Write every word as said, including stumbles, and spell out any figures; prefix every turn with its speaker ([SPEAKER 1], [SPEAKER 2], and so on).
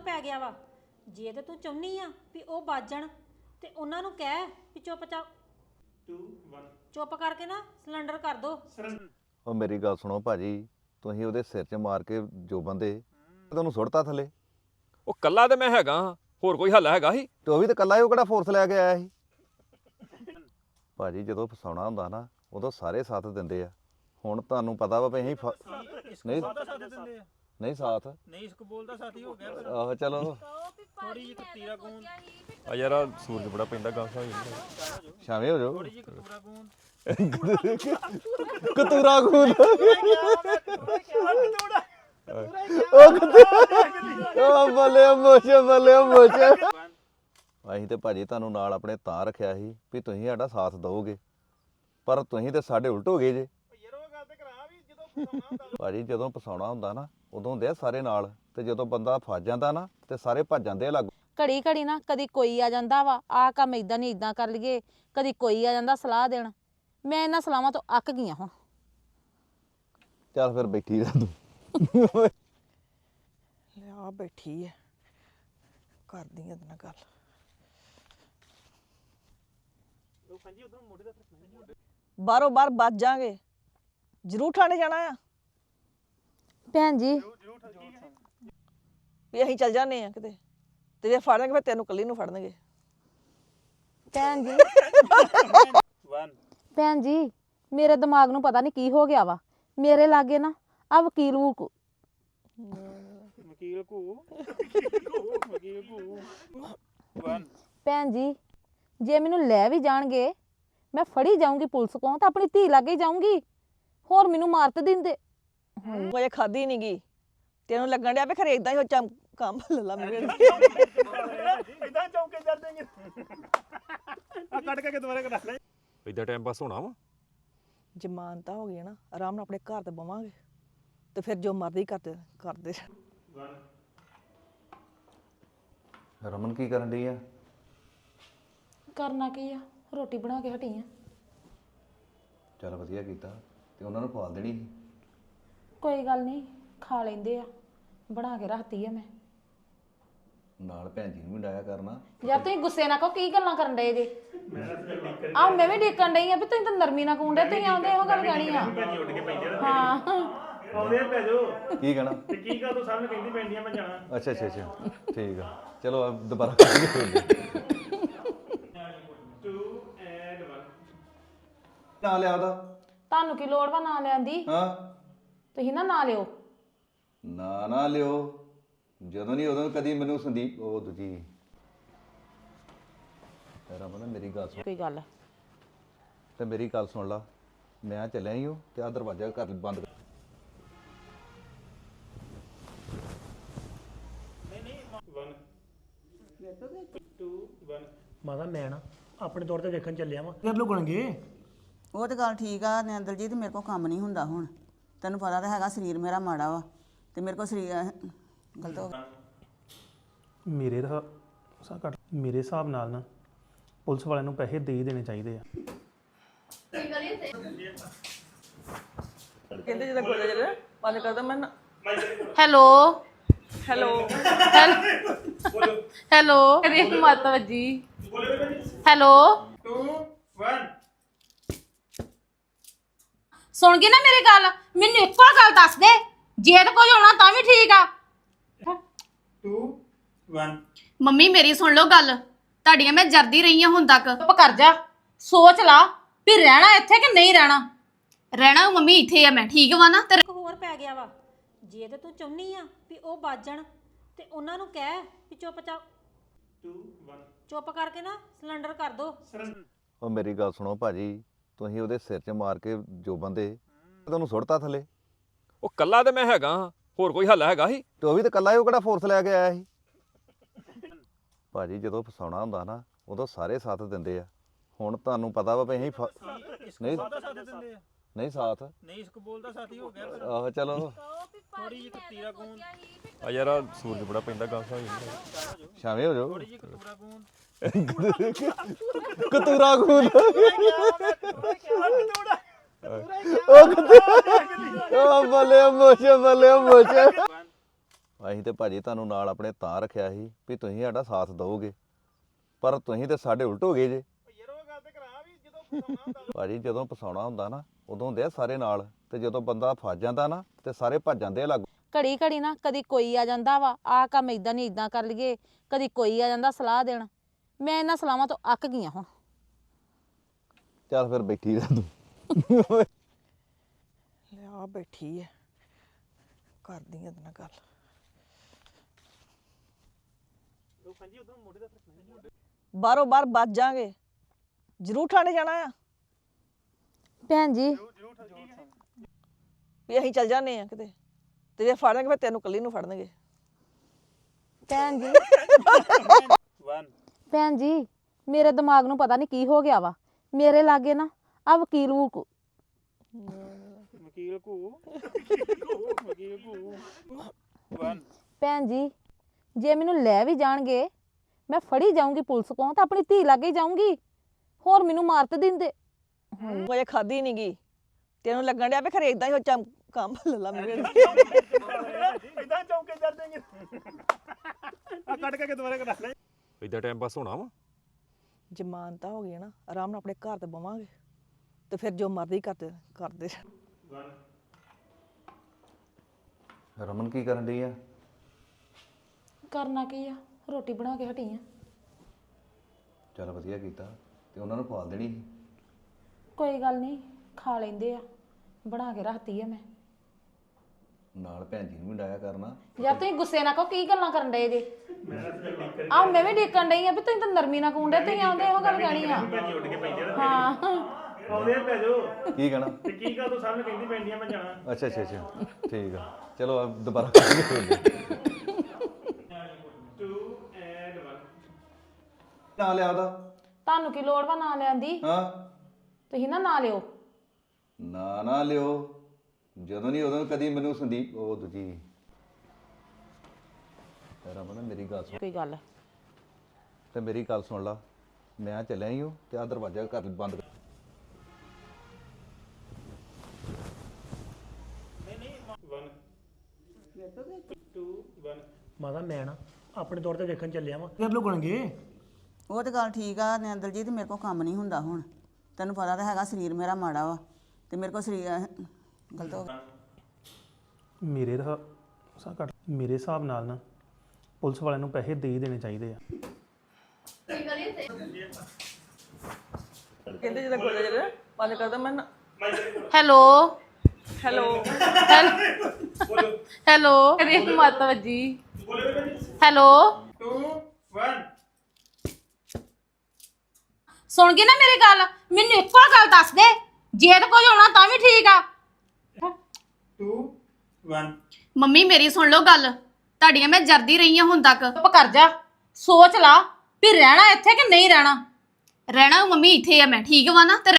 [SPEAKER 1] ਪੈ ਗਿਆ ਵਾ ਜੇ ਤੇ ਤੂੰ ਚਾਹੁੰਦੀ ਆ ਵੀ ਉਹ ਬਾਜਣ ਤੇ ਉਹਨਾਂ ਨੂੰ ਕਹਿ ਵੀ ਚੁੱਪ ਚਾ
[SPEAKER 2] two one
[SPEAKER 1] ਚੁੱਪ ਕਰਕੇ ਨਾ ਸਿਲੰਡਰ ਕਰ ਦੋ।
[SPEAKER 3] ਉਹ ਮੇਰੀ ਗੱਲ ਸੁਣੋ ਭਾਜੀ, ਤੁਸੀਂ ਉਹਦੇ ਸਿਰ 'ਚ ਮਾਰ ਕੇ ਜੋ ਬੰਦੇ ਤੁਹਾਨੂੰ ਸੁੱਟਤਾ ਥੱਲੇ,
[SPEAKER 4] ਉਹ ਕੱਲਾ ਤੇ ਮੈਂ ਹੈਗਾ ਹਾਂ, ਹੋਰ ਕੋਈ ਹੱਲ ਹੈਗਾ ਸੀ?
[SPEAKER 3] ਤੇ ਉਹ ਵੀ ਤਾਂ ਕੱਲਾ ਹੀ, ਉਹ ਕਿਹੜਾ ਫੋਰਸ ਲੈ ਕੇ ਆਇਆ ਸੀ। ਭਾਜੀ ਜਦੋਂ ਫਸਾਉਣਾ ਹੁੰਦਾ ਨਾ ਉਦੋਂ ਸਾਰੇ ਸਾਥ ਦਿੰਦੇ ਆ। ਹੁਣ ਤੁਹਾਨੂੰ ਪਤਾ ਵਾ ਵੀ ਅਸੀਂ ਫ- ਨਹੀਂ ਨਹੀਂ ਸਾਥ
[SPEAKER 2] ਨਹੀਂ ਇਸਕ ਬੋਲਦਾ ਸਾਥੀ ਹੋ ਗਿਆ
[SPEAKER 3] ਆਹੋ ਚਲੋ
[SPEAKER 2] ਥੋੜੀ ਜਿਹੀ ਕਤੀਰਾ ਗੂੰਦ
[SPEAKER 4] ਆ ਯਾਰ ਆਹ ਸੂਰਜ ਬੜਾ ਪੈਂਦਾ ਗਾਂਸਾ ਹੋ ਜਾਂਦਾ।
[SPEAKER 3] ਸ਼ਾਮੇ ਹੋ ਜਾਓ।
[SPEAKER 2] ਥੋੜੀ ਜਿਹੀ ਕਤੂਰਾ ਗੂੰਦ
[SPEAKER 3] ਕਤੂਰਾ ਖੂਨ
[SPEAKER 2] ਕਤੂਰਾ
[SPEAKER 3] ਉਹ ਕਤੂਰਾ ਉਹ ਬੱਲੇ ਮੋਸ਼ੇ ਬੱਲੇ ਮੋਸ਼ੇ। ਅਸੀਂ ਤੇ ਭਾਜੀ ਤੁਹਾਨੂੰ ਨਾਲ ਆਪਣੇ ਤਾਂ ਰੱਖਿਆ ਸੀ ਵੀ ਤੁਸੀਂ ਸਾਡਾ ਸਾਥ ਦਿਓਗੇ, ਪਰ ਤੁਸੀਂ ਤੇ ਸਾਡੇ ਉਲਟ ਹੋ ਗਏ ਜੇ।
[SPEAKER 2] ਯਾਰ ਉਹ ਗੱਲ ਤੇ ਕਰਾ ਵੀ ਜਦੋਂ ਫਸਾਉਣਾ ਹੁੰਦਾ
[SPEAKER 3] ਭਾਜੀ ਜਦੋਂ ਫਸਾਉਣਾ ਹੁੰਦਾ ਨਾ ਉਦੋਂ ਹੁੰਦੇ ਆ ਸਾਰੇ ਨਾਲ, ਤੇ ਜਦੋਂ ਬੰਦਾ ਫਸ ਜਾਂਦਾ ਨਾ ਤੇ ਸਾਰੇ ਭੱਜ ਜਾਂਦੇ ਆ ਲਾਗੂ।
[SPEAKER 5] ਘੜੀ ਘੜੀ ਨਾ ਕਦੀ ਕੋਈ ਆ ਜਾਂਦਾ ਵਾ, ਆਹ ਕੰਮ ਇਦਾਂ ਨਹੀਂ ਇਦਾਂ ਕਰ ਲਈਏ, ਕਦੀ ਕੋਈ ਆ ਜਾਂਦਾ ਸਲਾਹ ਦੇਣ। ਮੈਂ ਇਹਨਾਂ ਸਲਾਹਾਂ ਤੋਂ ਅੱਕ ਗਈ ਹੁਣ।
[SPEAKER 3] ਚੱਲ ਫਿਰ ਬੈਠੀ ਰਹਿ ਤੂੰ।
[SPEAKER 6] ਆ ਬੈਠੀ ਐ, ਕਰਦੀ ਇਹਦੇ ਨਾਲ ਗੱਲ।
[SPEAKER 2] ਉਹ ਪੰਜੀ ਉਧਰ ਮੋਢੇ ਦਾ
[SPEAKER 6] ਬਾਹਰੋਂ ਬਾਹਰ ਬਚ ਜਾਾਂਗੇ, ਜ਼ਰੂਰ ਠਾਣੇ ਜਾਣਾ ਆ
[SPEAKER 5] ਭੈਣ ਜੀ।
[SPEAKER 6] ਵੀ ਅਸੀਂ ਚੱਲ ਜਾਂਦੇ ਆ ਕਿਤੇ, ਤੇ ਜੇ ਫੜਨਗੇ ਫਿਰ ਤੈਨੂੰ ਕੱਲੀ ਨੂੰ ਫੜਨਗੇ।
[SPEAKER 5] ਭੈਣ ਜੀ
[SPEAKER 2] one
[SPEAKER 5] ਭੈਣ ਜੀ ਮੇਰੇ ਦਿਮਾਗ ਨੂੰ ਪਤਾ ਨਹੀਂ ਕੀ ਹੋ ਗਿਆ ਵਾ। ਮੇਰੇ ਲਾਗੇ ਨਾ ਆ ਵਕੀਲ ਵੂਕ
[SPEAKER 2] ਵਕੀਲ ਕੋ ਵਕੀਲ ਕੋ one
[SPEAKER 5] ਭੈਣ ਜੀ ਜੇ ਮੈਨੂੰ ਲੈ ਵੀ ਜਾਣਗੇ ਮੈਂ ਫੜੀ ਜਾਊਂਗੀ ਪੁਲਿਸ ਕੋਲ, ਤਾਂ ਆਪਣੀ ਧੀ ਲਾਗੇ ਜਾਊਂਗੀ, ਹੋਰ ਮੈਨੂੰ ਮਾਰ ਤੇ ਦਿੰਦੇ।
[SPEAKER 6] ਉਹ ਅਜੇ ਖਾਦੀ ਨਹੀਂ ਗਈ, ਤੈਨੂੰ ਲੱਗਣ ਡਿਆ ਵੀ ਖਰੇ ਇਦਾਂ ਹੀ ਉਹ ਚਮ ਕੰਮ ਲੱਲਾ ਮੇਰੇ
[SPEAKER 2] ਇਦਾਂ ਚੌਂਕੇ ਚੜ ਦੇਂਗੇ ਆ ਕੱਟ ਕੇ ਦੁਬਾਰਾ ਕਰਾ ਲੈ।
[SPEAKER 4] ਇਦਾਂ ਟਾਈਮ ਪਾਸ ਹੋਣਾ ਵਾ?
[SPEAKER 6] ਜ਼ਮਾਨਤਾਂ ਹੋ ਗਈਆਂ ਨਾ, ਆਰਾਮ ਨਾਲ ਆਪਣੇ ਘਰ ਤੇ ਬਵਾਂਗੇ, ਤੇ ਫਿਰ ਜੋ ਮਰਜ਼ੀ ਕਰਦੇ ਕਰਦੇ।
[SPEAKER 3] ਰਮਨ ਕੀ ਕਰਨ ਡਈ ਆ?
[SPEAKER 5] ਕਰਨਾ ਕੀ ਆ, ਰੋਟੀ ਬਣਾ ਕੇ ਹਟੀ ਆ।
[SPEAKER 3] ਚੱਲ ਵਧੀਆ ਕੀਤਾ, ਤੇ ਉਹਨਾਂ ਨੂੰ ਪਾਲ ਦੇਣੀ ਸੀ।
[SPEAKER 5] ਕੋਈ ਗੱਲ ਨਹੀਂ, ਖਾ ਲੈਂਦੇ ਆ, ਬਣਾ ਕੇ ਰੱਖਤੀ ਆ ਮੈਂ।
[SPEAKER 3] ਨਾਲ ਭੈਣ ਜੀ ਨੂੰ ਵੀ ਡਾਇਆ ਕਰਨਾ।
[SPEAKER 5] ਯਾਰ ਤੁਸੀਂ ਗੁੱਸੇ ਨਾ ਕਹੋ, ਕੀ ਗੱਲਾਂ ਕਰਨ ਡਏ ਜੇ? ਆ ਮੈਂ ਵੀ ਡੇਕਣ ਡਈ ਆ ਵੀ ਤੁਸੀਂ ਤਾਂ ਨਰਮੀ ਨਾ ਕੂੰਡੇ, ਤੁਸੀਂ ਆਉਂਦੇ ਇਹੋ ਗੱਲ ਕਹਿਣੀ ਆ। ਹਾਂ
[SPEAKER 2] ਆਉਂਦੇ ਪੈ ਜਾਓ
[SPEAKER 3] ਕੀ ਕਹਿਣਾ?
[SPEAKER 2] ਤੇ ਕੀ ਗੱਲ ਤੂੰ ਸਾਹਮਣੇ ਕਹਿੰਦੀ ਪੈਂਦੀਆਂ ਮੈਂ ਜਾਣਾ।
[SPEAKER 3] ਅੱਛਾ ਅੱਛਾ ਅੱਛਾ ਠੀਕ ਆ, ਚਲੋ ਆ ਦੁਬਾਰਾ ਕਰਾਂਗੇ।
[SPEAKER 2] two and one
[SPEAKER 3] ਨਾ ਲਿਆ ਉਹਦਾ।
[SPEAKER 5] ਤੁਹਾਨੂੰ ਕੀ ਲੋੜ ਵਾ ਨਾਂ ਲੈਣ ਦੀ?
[SPEAKER 3] ਹਾਂ
[SPEAKER 5] ਤੁਸੀਂ ਨਾ ਨਾਂ ਲਿਓ।
[SPEAKER 3] ਨਾ ਨਾ ਲਿਓ, ਜਦੋਂ ਨਹੀਂ ਉਦੋਂ ਕਦੀ ਮੈਨੂੰ ਸੰਦੀਪ ਉਹ ਦੂਜੀ ਰਮਨ ਮੇਰੀ ਗੱਲ ਸੁਣ।
[SPEAKER 5] ਕੋਈ ਗੱਲ
[SPEAKER 3] ਤੇ ਮੇਰੀ ਗੱਲ ਸੁਣ ਲਾ, ਮੈਂ ਚੱਲਿਆ ਹੀ ਹਾਂ ਤੇ ਆ ਦਰਵਾਜ਼ਾ ਘਰ ਬੰਦ ਕਰ।
[SPEAKER 2] one two one
[SPEAKER 7] ਮਾਤਾ ਮੈਂ ਨਾ ਆਪਣੇ ਤੌਰ ਤੇ ਵੇਖਣ ਚੱਲਿਆ ਵਾਂ, ਫਿਰ ਲੁਕਣਗੇ।
[SPEAKER 8] ਉਹ ਤਾਂ ਗੱਲ ਠੀਕ ਆ ਨਿੰਦਰਜੀਤ, ਮੇਰੇ ਕੋਲ ਕੰਮ ਨਹੀਂ ਹੁੰਦਾ ਹੁਣ। ਤੈਨੂੰ ਪਤਾ ਤਾਂ ਹੈਗਾ ਸਰੀਰ ਮੇਰਾ ਮਾੜਾ ਵਾ, ਤੇ ਮੇਰੇ ਕੋਲ ਸਰੀਰ ਗਲਤ ਹੋ ਗਿਆ।
[SPEAKER 7] ਮੇਰੇ ਦਾ ਸਾ ਘੱਟ ਮੇਰੇ ਹਿਸਾਬ ਨਾਲ ਨਾ ਪੁਲਿਸ ਵਾਲਿਆਂ ਨੂੰ ਪੈਸੇ ਦੇ ਹੀ ਦੇਣੇ ਚਾਹੀਦੇ ਆ।
[SPEAKER 6] ਕਹਿੰਦੇ ਜਦੋਂ ਗੋਲੇ ਜਿਹੜੇ ਬੰਦ ਕਰਦਾ ਮੈਂ ਨਾ-
[SPEAKER 5] ਹੈਲੋ
[SPEAKER 6] ਹੈਲੋ
[SPEAKER 5] ਹੈਲੋ ਕਰੀ ਮਤ ਵੱਜੀ। ਹੈਲੋ
[SPEAKER 2] two one
[SPEAKER 5] ਸੁਣ ਗਈ ਨਾ ਮੇਰੀ ਗੱਲ? ਮੈਨੂੰ ਇੱਕੋ ਗੱਲ ਦੱਸ ਦੇ, ਜੇ ਤੇ ਕੁਝ ਹੋਣਾ ਤਾਂ ਵੀ ਠੀਕ ਆ।
[SPEAKER 2] two one
[SPEAKER 9] ਮੰਮੀ ਮੇਰੀ ਸੁਣ ਲਓ ਗੱਲ, ਤੁਹਾਡੀਆਂ ਮੈਂ ਜਰਦੀ ਰਹੀ ਹਾਂ ਹੁਣ ਤੱਕ।
[SPEAKER 5] ਚੁੱਪ ਕਰ ਜਾ, ਸੋਚ ਲਾ ਵੀ ਰਹਿਣਾ ਇੱਥੇ ਕਿ ਨਹੀਂ ਰਹਿਣਾ।
[SPEAKER 9] ਰਹਿਣਾ ਮੰਮੀ ਇੱਥੇ ਆ ਮੈਂ, ਠੀਕ ਵਾ ਨਾ? ਤੇ
[SPEAKER 1] ਇੱਕ ਹੋਰ ਪੈ ਗਿਆ ਵਾ ਜੇ ਤੇ ਤੂੰ ਚਾਹੁੰਦੀ ਆ ਵੀ ਉਹ ਬਾਜਣ ਤੇ ਉਹਨਾਂ ਨੂੰ ਕਹਿ ਵੀ ਚੁੱਪ ਚਾ
[SPEAKER 2] two one
[SPEAKER 1] ਚੁੱਪ ਕਰਕੇ ਨਾ ਸਿਲੰਡਰ ਕਰ ਦੋ।
[SPEAKER 3] ਉਹ ਮੇਰੀ ਗੱਲ ਸੁਣੋ ਭਾਜੀ, ਤੁਸੀਂ ਉਹਦੇ ਸਿਰ 'ਚ ਮਾਰ ਕੇ ਜੋ ਬੰਦੇ ਤੁਹਾਨੂੰ ਸੁੱਟਤਾ ਥੱਲੇ,
[SPEAKER 4] ਉਹ ਕੱਲਾ ਤੇ ਮੈਂ ਹੈਗਾ ਹਾਂ, ਹੋਰ ਕੋਈ ਹੱਲ ਹੈਗਾ ਸੀ?
[SPEAKER 3] ਤੇ ਉਹ ਵੀ ਤਾਂ ਕੱਲਾ ਹੀ, ਉਹ ਕਿਹੜਾ ਫੋਰਸ ਲੈ ਕੇ ਆਇਆ ਸੀ। ਭਾਜੀ ਜਦੋਂ ਫਸਾਉਣਾ ਹੁੰਦਾ ਨਾ ਉਦੋਂ ਸਾਰੇ ਸਾਥ ਦਿੰਦੇ ਆ। ਹੁਣ ਤੁਹਾਨੂੰ ਪਤਾ ਵਾ ਵੀ ਅਸੀਂ ਫ- ਨਹੀਂ
[SPEAKER 2] ਸਾਥ ਦਿੰਦੇ ਆ
[SPEAKER 3] ਨਹੀਂ ਸਾਥ
[SPEAKER 2] ਨਹੀਂ ਇਸਕ ਬੋਲਦਾ ਸਾਥੀ ਹੋ ਗਿਆ
[SPEAKER 3] ਆਹੋ ਚਲੋ
[SPEAKER 2] ਥੋੜੀ ਜਿਹੀ ਕਤੀਰਾ ਗੂੰਦ
[SPEAKER 4] ਆ ਯਾਰ ਆਹ ਸੂਰਜ ਬੜਾ ਪੈਂਦਾ ਗਾਂਸਾ ਹੋ ਜਾਂਦਾ।
[SPEAKER 3] ਸ਼ਾਮੇ ਹੋ ਜਾਓ।
[SPEAKER 2] ਥੋੜੀ ਜਿਹੀ ਕਤੂਰਾ ਗੂੰਦ
[SPEAKER 3] ਕਤੂਰਾ ਖੂਨ
[SPEAKER 2] ਕਤੂਰਾ
[SPEAKER 3] ਉਹ ਬੱਲੇ ਮੋਸ਼ੇ ਬੱਲੇ ਮੋਸ਼ੇ। ਅਸੀਂ ਤੇ ਭਾਜੀ ਤੁਹਾਨੂੰ ਨਾਲ ਆਪਣੇ ਤਾਂ ਰੱਖਿਆ ਸੀ ਵੀ ਤੁਸੀਂ ਸਾਡਾ ਸਾਥ ਦਿਓਗੇ, ਪਰ ਤੁਸੀਂ ਤੇ ਸਾਡੇ ਉਲਟ ਹੋ ਗਏ ਜੇ। ਭਾਜੀ ਜਦੋਂ ਫਸਾਉਣਾ ਹੁੰਦਾ ਨਾ ਉਦੋਂ ਹੁੰਦੇ ਆ ਸਾਰੇ ਨਾਲ, ਤੇ ਜਦੋਂ ਬੰਦਾ ਫਸ ਜਾਂਦਾ ਨਾ ਤੇ ਸਾਰੇ ਭੱਜ ਜਾਂਦੇ ਆ ਲਾਗੂ।
[SPEAKER 5] ਘੜੀ ਘੜੀ ਨਾ ਕਦੀ ਕੋਈ ਆ ਜਾਂਦਾ ਵਾ, ਆਹ ਕੰਮ ਇਦਾਂ ਨਹੀਂ ਇਦਾਂ ਕਰ ਲਈਏ, ਕਦੀ ਕੋਈ ਆ ਜਾਂਦਾ ਸਲਾਹ ਦੇਣ। ਮੈਂ ਇਹਨਾਂ ਸਲਾਹਾਂ ਤੋਂ ਅੱਕ ਗਈ ਹਾਂ ਹੁਣ।
[SPEAKER 3] ਚੱਲ ਫਿਰ ਬੈਠੀ ਰਹਿ ਤੂੰ।
[SPEAKER 6] ਲਿਆ ਬੈਠੀ ਹੈ, ਕਰਦੀ ਆ ਇਹਦੇ ਨਾਲ ਗੱਲ। ਬਾਹਰੋਂ ਬਾਹਰ ਬਚ ਜਾਾਂਗੇ, ਜ਼ਰੂਰ ਠਾਣੇ ਜਾਣਾ ਆ
[SPEAKER 5] ਭੈਣ ਜੀ।
[SPEAKER 6] ਵੀ ਅਸੀਂ ਚੱਲ ਜਾਂਦੇ ਆ ਕਿਤੇ, ਤੇ ਜੇ ਫੜਨਗੇ ਫਿਰ ਤੈਨੂੰ ਕੱਲੀ ਨੂੰ ਫੜਨਗੇ।
[SPEAKER 5] ਭੈਣ ਜੀ ਭੈਣ ਜੀ ਮੇਰੇ ਦਿਮਾਗ ਨੂੰ ਪਤਾ ਨਹੀਂ ਕੀ ਹੋ ਗਿਆ ਵਾ। ਮੇਰੇ ਲਾਗੇ ਨਾ ਆ ਵਕੀਲ ਵੂਕ
[SPEAKER 2] ਵਕੀਲ ਕੋ ਵਕੀਲ ਕੋ
[SPEAKER 5] ਭੈਣ ਜੀ ਜੇ ਮੈਨੂੰ ਲੈ ਵੀ ਜਾਣਗੇ ਮੈਂ ਫੜੀ ਜਾਊਂਗੀ ਪੁਲਿਸ ਕੋਲ, ਤਾਂ ਆਪਣੀ ਧੀ ਲਾਗੇ ਜਾਊਂਗੀ, ਹੋਰ ਮੈਨੂੰ ਮਾਰ ਤੇ ਦਿੰਦੇ।
[SPEAKER 6] ਮੈਂ ਖਾਦੀ ਨਹੀਂ ਗਈ, ਤੈਨੂੰ ਲੱਗਣ ਡਿਆ ਵੀ ਖਰੇ ਇਦਾਂ ਹੀ ਹੋ ਚਮ ਕੰਮ ਲੱਲਾ ਮੇਰੇ।
[SPEAKER 2] ਇਦਾਂ ਚੌਂਕੇ ਜਰ ਦੇਂਗੇ ਆ ਕੱਟ ਕੇ ਦੁਬਾਰਾ ਕਰਾ ਲੈ।
[SPEAKER 4] ਇਦਾਂ ਟਾਈਮ ਪਾਸ ਹੋਣਾ ਵਾ।
[SPEAKER 6] ਜ਼ਮਾਨਤਾਂ ਹੋ ਗਈਆਂ ਨਾ, ਆਰਾਮ ਨਾਲ ਆਪਣੇ ਘਰ ਤੇ ਬਵਾਂਗੇ, ਤੇ ਫਿਰ ਜੋ ਮਰਜ਼ੀ ਕਰਦੇ ਕਰਦੇ।
[SPEAKER 3] ਰਮਨ ਕੀ ਕਰਨ ਡਈ ਆ?
[SPEAKER 5] ਕਰਨਾ ਕੀ ਆ, ਰੋਟੀ ਬਣਾ ਕੇ ਹਟੀ ਆ।
[SPEAKER 3] ਚੱਲ ਵਧੀਆ ਕੀਤਾ, ਤੇ ਉਹਨਾਂ ਨੂੰ ਪਾਲ ਦੇਣੀ ਸੀ।
[SPEAKER 5] ਕੋਈ ਗੱਲ ਨਹੀਂ, ਖਾ ਲੈਂਦੇ ਆ, ਬਣਾ ਕੇ ਰੱਖਤੀ ਆ ਮੈਂ।
[SPEAKER 3] ਨਾਲ ਭੈਣ ਜੀ ਨੂੰ ਵੀ ਡਾਇਆ ਕਰਨਾ।
[SPEAKER 5] ਯਾਰ ਤੁਸੀਂ ਗੁੱਸੇ ਨਾ ਕਹੋ, ਕੀ ਗੱਲਾਂ ਕਰਨ ਡਏ ਜੇ? ਆ ਮੈਂ ਵੀ ਡੇਕਣ ਡਈ ਆ ਵੀ ਤੁਸੀਂ ਤਾਂ ਨਰਮੀ ਨਾ ਕੂੰਡੇ, ਤੁਸੀਂ ਆਉਂਦੇ ਇਹੋ ਗੱਲ ਕਹਿਣੀ ਆ। ਹਾਂ
[SPEAKER 2] ਆਉਂਦੇ ਆ ਪੈ ਜਾਓ।
[SPEAKER 3] ਕੀ ਕਹਿਣਾ?
[SPEAKER 2] ਤੇ ਕੀ ਗੱਲ ਤੂੰ ਸਾਹਮਣੇ ਕਹਿੰਦੀ ਪੈਂਦੀਆਂ ਮੈਂ ਜਾਣਾ।
[SPEAKER 3] ਅੱਛਾ ਅੱਛਾ ਅੱਛਾ ਠੀਕ ਆ, ਚਲੋ ਆਪ ਦੁਬਾਰਾ ਕਰਾਂਗੇ। ਨਾ ਲਿਆ ਉਹਦਾ।
[SPEAKER 5] ਤੁਹਾਨੂੰ ਕੀ ਲੋੜ ਵਾ ਨਾ ਲੈਣ ਦੀ?
[SPEAKER 3] ਹਾਂ
[SPEAKER 5] ਤੁਸੀਂ ਨਾ ਨਾ ਲਿਓ।
[SPEAKER 3] ਨਾ ਨਾ ਲਿਓ, ਜਦੋਂ ਨਹੀਂ ਉਦੋਂ ਕਦੀ ਮੈਨੂੰ ਸੰਦੀਪ ਉਹ ਦੂਜੀ ਰਮਨ ਮੇਰੀ ਗੱਲ ਸੁਣ।
[SPEAKER 5] ਕੋਈ ਗੱਲ
[SPEAKER 3] ਤੇ ਮੇਰੀ ਗੱਲ ਸੁਣ ਲਾ, ਮੈਂ ਚੱਲਿਆ ਹੀ ਹਾਂ ਤੇ ਆ ਦਰਵਾਜ਼ਾ ਕਰ ਬੰਦ ਕਰ।
[SPEAKER 10] ਮਾਤਾ ਮੈਂ ਨਾ ਆਪਣੇ ਤੌਰ ਤੇ ਵੇਖਣ ਚੱਲਿਆ ਵਾਂ, ਫਿਰ ਲੁਕਣਗੇ।
[SPEAKER 8] ਉਹ ਤੇ ਗੱਲ ਠੀਕ ਆ ਨਿੰਦਰ ਜੀ, ਤੇ ਮੇਰੇ ਕੋਲ ਕੰਮ ਨਹੀਂ ਹੁੰਦਾ ਹੁਣ। ਤੈਨੂੰ ਪਤਾ ਤਾਂ ਹੈਗਾ ਸਰੀਰ ਮੇਰਾ ਮਾੜਾ ਵਾ, ਤੇ ਮੇਰੇ ਕੋਲ ਸਰੀਰ ਗਲਤ ਹੋ ਗਿਆ।
[SPEAKER 7] ਮੇਰੇ ਦਾ ਸਾ ਘੱਟ ਮੇਰੇ ਹਿਸਾਬ ਨਾਲ ਨਾ ਪੁਲਿਸ ਵਾਲਿਆਂ ਨੂੰ ਪੈਸੇ ਦੇ ਹੀ ਦੇਣੇ ਚਾਹੀਦੇ ਆ।
[SPEAKER 6] ਕਹਿੰਦੇ ਜਦੋਂ ਗੋਲੇ ਜਿਹੜੇ ਬੰਦ ਕਰਦਾ ਮੈਂ
[SPEAKER 9] ਹੈਲੋ
[SPEAKER 6] ਹੈਲੋ
[SPEAKER 9] ਹੈਲੋ ਅਰੇ ਮਾਤਾ ਜੀ ਹੈਲੋ ਸੁਣ ਗਏ ਨਾ ਮੇਰੀ ਗੱਲ? ਮੈਨੂੰ ਇੱਕੋ ਗੱਲ ਦੱਸ ਦੇ, ਜੇ ਤਾਂ ਕੁਝ ਹੋਣਾ ਤਾਂ ਵੀ ਠੀਕ ਆ। ਮੰਮੀ ਮੇਰੀ ਸੁਣ ਲਓ ਗੱਲ, ਤੁਹਾਡੀਆਂ ਮੈਂ ਜਰਦੀ ਰਹੀ ਹਾਂ ਹੁਣ ਤੱਕ। ਚੁੱਪ ਕਰ ਜਾ, ਸੋਚ ਲਾ ਵੀ ਰਹਿਣਾ ਇੱਥੇ ਕਿ ਨਹੀਂ ਰਹਿਣਾ। ਰਹਿਣਾ ਮੰਮੀ ਇੱਥੇ ਆ ਮੈਂ, ਠੀਕ ਵਾ ਨਾ? ਤੇ